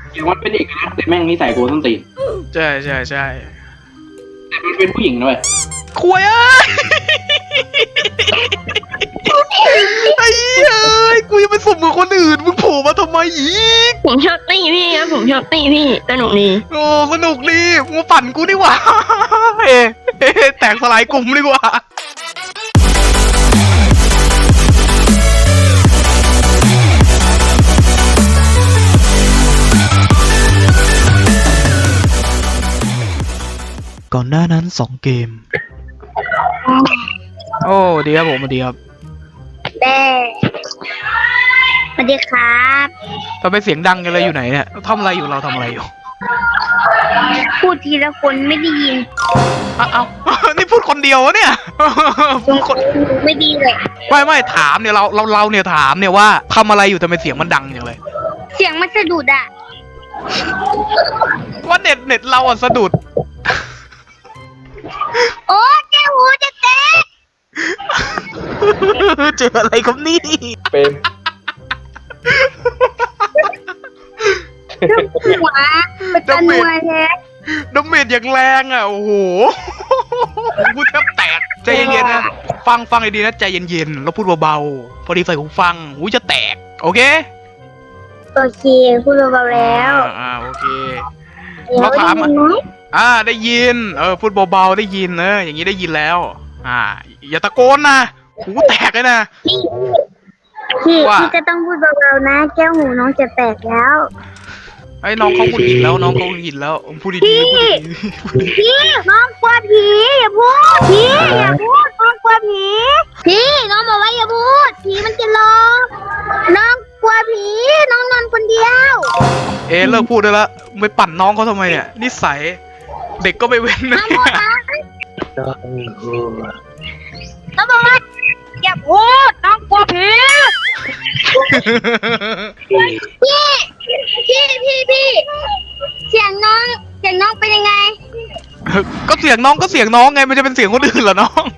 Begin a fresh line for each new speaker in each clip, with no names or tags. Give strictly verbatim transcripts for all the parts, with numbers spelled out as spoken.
เสียงมันเป็นเอกลักษณ์แต่แม่งนิสัยโกส้นตีน
ใช่ใช่ใช่
แต่มันเป็นผู้หญิงด้วย
คุยเอ้ยไอ้เอ้ยกูยังไปสมมือคนอื่นมึงโผล่มาทำไมอีก
ผมชอบตีพี่ครับผมชอบตีพี่สนุกดี
โอ้สนุกดีมึงปั่นกูดีกว่าเฮ้แตกสลายกลุ่มดีกว่าก่อนหน้านั้นสองเกมโอ้ดีครับผมดีครับ
แม่สวัสดีครับ
ทำไมเสียงดังกันเลยอยู่ไหนเนี่ยทำอะไรอยู่เราทำอะไรอยู่
พูดทีละคนไม่ได้ยิน
อ้าวนี่พูดคนเดียววะเนี่ยพูดคน
ไม่ดีเลย
ไม่ไม่ถามเนี่ยเราเราเราเนี่ยถามเนี่ยว่าทำอะไรอยู่ทำไมเสียงมันดังอย่างเลย
เสียงมันสะดุดอะ
ว่าเน็ตเน็ตเราอ่ะสะดุด
โอ้แก้วหูจะแตก
เจออะไรครับนี่
เป็น
หัวเป็นตะนวยแท้
ดาเมจอย่างแรงอ่ะโอ้โหพูดแทบแตกใจเย็นๆนะฟังฟังให้ดีนะใจเย็นๆแล้วพูดเบาๆพอดีใส่หูฟังหูจะแตกโอเค
โอเคพูดเบาๆแล้ว
อ่าโอเคเราถามอ่าได้ยินเออพูดเบาๆได้ยินเอออย่างนี้ได้ยินแล้วอ่าอย่าตะโกนนะหูแตกเลยนะ
พี่พี่พี่ก็ต้องพูดเบาๆนะแก้วหูน้องจะแตกแล้ว
ไอ้น้องเขาพูดผิดแล้วน้องเขาพูดผิดแล้วพูดดีๆพูดดี
ๆพี่น้องกลัวผีอย่าพูดพี่อย่าพูดน้องกลัวผีพี่น้องบอกว่าอย่าพูดผีมันจะร้องน้องกลัวผีน้องนอนคนเดียว
เอ๊ะเลิกพูดได้แล้วไม่ปั่นน้องเขาทำไมเนี่ยนิสัยเด็กก็ไม่เว้นนะ
น้องบอกว่าอย่าพูดน้องกลัวผีพี่พี่พี่พี่เสียงน้องเสียงน้องเป็นยังไง
ก็เสียงน้องก็เสียงน้องไงมันจะเป็นเสียงคนอื่นเหรอน้อง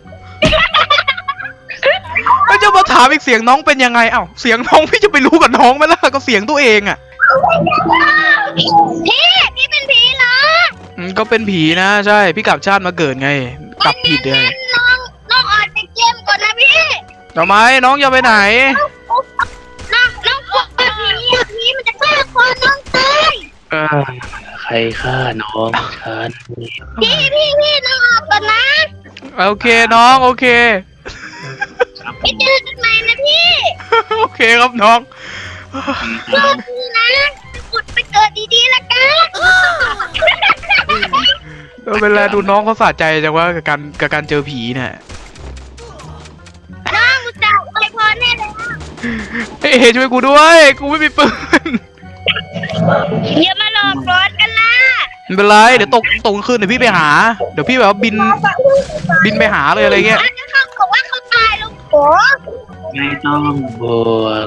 ก็จะมาถามอีกเสียงน้องเป็นยังไงเอ้าเสียงน้องพี่จะไปรู้กับน้องไหมล่ะก็เสียงตัวเองอ่ะ
พี่พี่เป็นผีเหรอ
ก็เป็นผีนะใช่พี่กลับชาติมาเกิดไงกลับผิดเลย
น้องน้องออกจากเกมก่อนนะพี่
ทำไมน้องจะไปไหน
น้องน้องกลัวผีผีมันจะฆ่าคนน้องตาย
ใครฆ่าน้องฉัน
พี่พี่พี่น้องออกก่อนนะ
โอเคน้องโอเค
ไปเจอกันใหม่นะพี่
โอเคครับน้อง
โชคดีนะกดไปเกิดดีๆละกัน
เวลาดูน้องเขาสะใจจังว่ากับการกับการเจอผีเนี่ย
น้องกูจะไปพอแน่เลย
เฮ้ยช่วยกูด้วยกูไม่มีปืน
อย่ามาหลอกร้อนกันล่ะ
ไม่เป็นไรเดี๋ยวตกตกคืนเดี๋ยวพี่ไปหาเดี๋ยวพี่แบบว่าบินบินไปหาเลยอะไรเงี้ย
เขาบอกว่าเขาตายแล้วโอ้
ไม่ต้องบ่น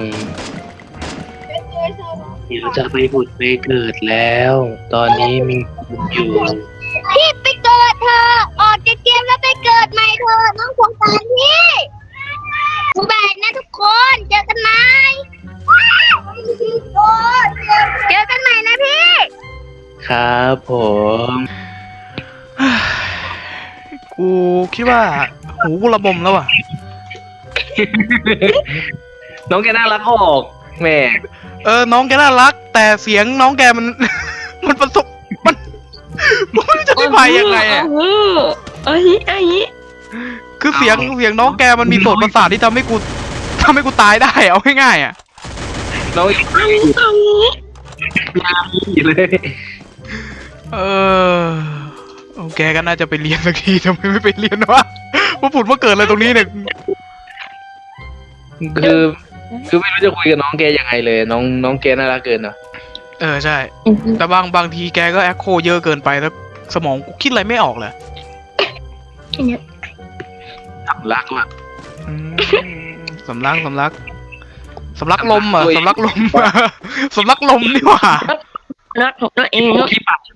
เดี๋ยวจะไปผุดไปเกิดแล้วตอนนี้มีอยู่
พี่ไปเกิดเธอออกจากเกมแล้วไปเกิดใหม่เธอน้องสงสารพี่สบายนะทุกคนเจอกันไหมเจอกันใหม่นะพี่
ครับผม
กูคิดว่าหูกูระบมแล้วอ่ะ
น้องแกน่ารักออกแม่
เออน้องแกน่ารักแต่เสียงน้องแกมันมันประสบมันมันไม่รู้จะอธิบายยังไงอ่ะ
เอ้ยไอ้
คือเสียงเสียงน้องแกมันมีโสตประสาทที่ทำให้กูทำให้กูตายได้เอาง่ายๆอ่ะ
น้องไอ้ยามีเลย
เออโอเคก็น่าจะไปเรียนสักทีทำไมไม่ไปเรียนวะว่าผุดว่าเกิดอะไรตรงนี้เนี่ย
คือคือไม่รู้จะคุยกับน้องแกยังไงเลยน้องน้องแกน่ารักเกินเนาะ
เออใช่แต่บางบางทีแกก็แอคโคเยอะเกินไปแล้วสมองกูคิดอะไรไม่ออกเลย
สำลักว่ะ
สำลักสำลักสำลักลมอ่ะสำลักลมสำลักลมนี่หว่า
รักของตัวเองเนาะ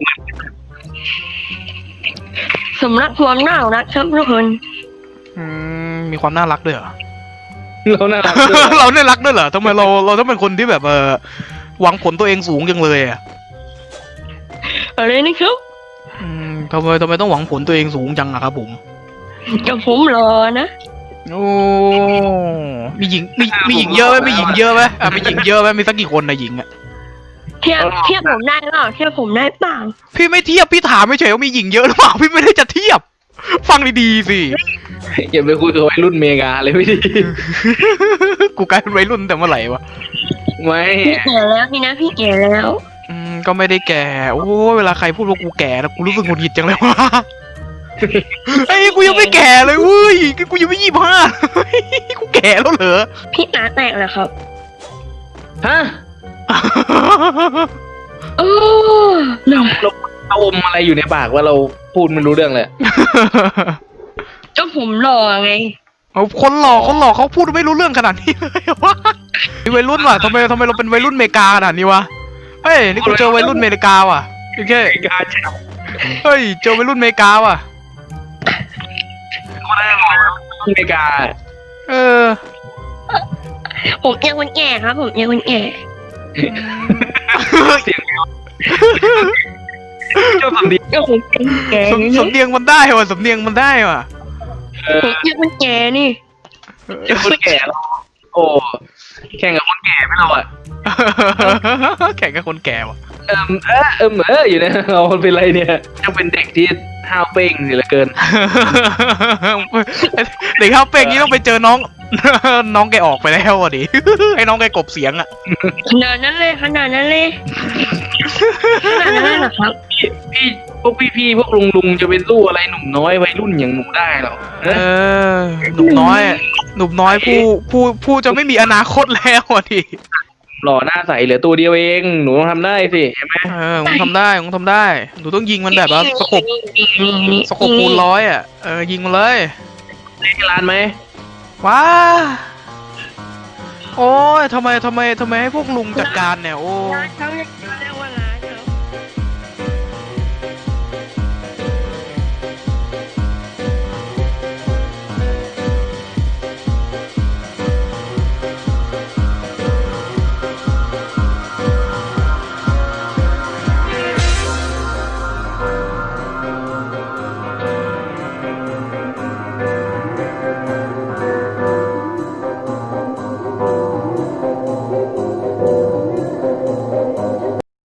สำลักความน่ารักครับทุกคน
มีความน่ารักด้วยเหรอ
เราน่ารัก
เราน่ารักด้วยเหรอทำไมเราเราต้องเป็นคนที่แบบเออหวังผลตัวเองสูงจังเลยอ่ะ
อะไรนะครับ
อืมทำไมทำไมต้องหวังผลตัวเองสูงจังอะครับผม
กับผมรอนะ
โอ้มีหญิงมีมีหญิงเยอะไหมมีหญิงเยอะไหมอ่ะมีหญิงเยอะไหมมีสักกี่คนนะหญิงอ่ะ
เทียบเทียบผมได้เปล่าเทียบผมได้เปล่า
พี่ไม่เทียบพี่ถามไม่เฉยว่ามีหญิงเยอะหรือเปล่าพี่ไม่ได้จะเทียบ ฟังดีๆสิ
อย่าไปคุยกับวัยรุ่นเมกาเลยไม่ดี
กูกลายเป็นวัยรุ่นแต่เมื่อไหร่วะ
ไม่
พี่แก่แล้วนี่นะพี่แก่แล้ว
อืมก็ไม่ได้แก่ โอ้เวลาใครพูดว่ากูแก่นะกูรู้สึกหงุดหงิดจังเลยวะไอ้ยกูยังไม่แก่เลยเว้ยกูยังไม่ยี่สิบห้ากูแก่แล้วเหรอ
พี่ตาแตกเหรอครับ
ฮะ
โอ้
เราเราเอาอมอะไรอยู่ในปากว่าเราพูดไม่รู้เรื่องเลย
ก็ผมรอไง
เอาคนหลอกคนหลอกเขาพูดไม่รู้เรื่องขนาดนี้เลยวะนี่วัยรุ่นว่ะทำไมทำไมเราเป็นวัยรุ่นเมกาขนาดนี้วะเฮ้ยนี่กูเจอวัยรุ่นเมกาว่ะโอเค
เมกาแชมป์
เฮ้ยเจอวัยรุ่นเมกาว่ะ
เมกา
เออ
ผมยังคนแก่ครับ ผมยังคนแก่
เสียงเจ้าสำเนียง
ก็ผมยังคนแก่
สำสำเนียงมันได้ว่ะสำเนียงมันได้ว่ะ
เออ
ผมยังคนแก่นี่
เจ้าคนแก่แล้วโอ้แข่งกับคนแก่ไม่เราอ่ะ
แข่งกับคนแก่ว่ะ
เอิมเออเอิมเอออยู่นะเราเป็นไรเนี่ยจะเป็นเด็กที่ห้าวเป้งสิเหลือเกิน
เด็กข้าวเป้งนี้ต้องไปเจอน้อง น้องแกออกไปแล้วอ่ะดิ ให้น้องแกกลบเสียงอ่ะ
ขนาดนั้นเลยขนาดนั้นเลยขนาดนั้นเลยเหรอครับ
พี่พวกพี่ๆพวกลุงลุงๆจะเป็นสู้อะไรหนุ่มน้อยวัยรุ่นอย่างหนูได้หรอ
เออ หนุ่มน้อยอะหนุ่มน้อยผู้ผู้ผู้จะไม่มีอนาคตแล้วอ่ะดิ
หล่อหน้าใสเหลือตัวเดียวเองหนูต้องทำได้สิใช่ไหม
เออมึงทำได้มึงทำได้หนูต้องยิงมันแบบว่าสกบ
นี่นี่นี่
สกบคูณร้อยอ่ะ เออยิงมันเลย
เล่นร้านไหม
ว้า โอ้ยทำไมทำไมทำไมให้พวกลุงจัดการเนี่ย โอ้
ร้านเขาเรียกว่าร้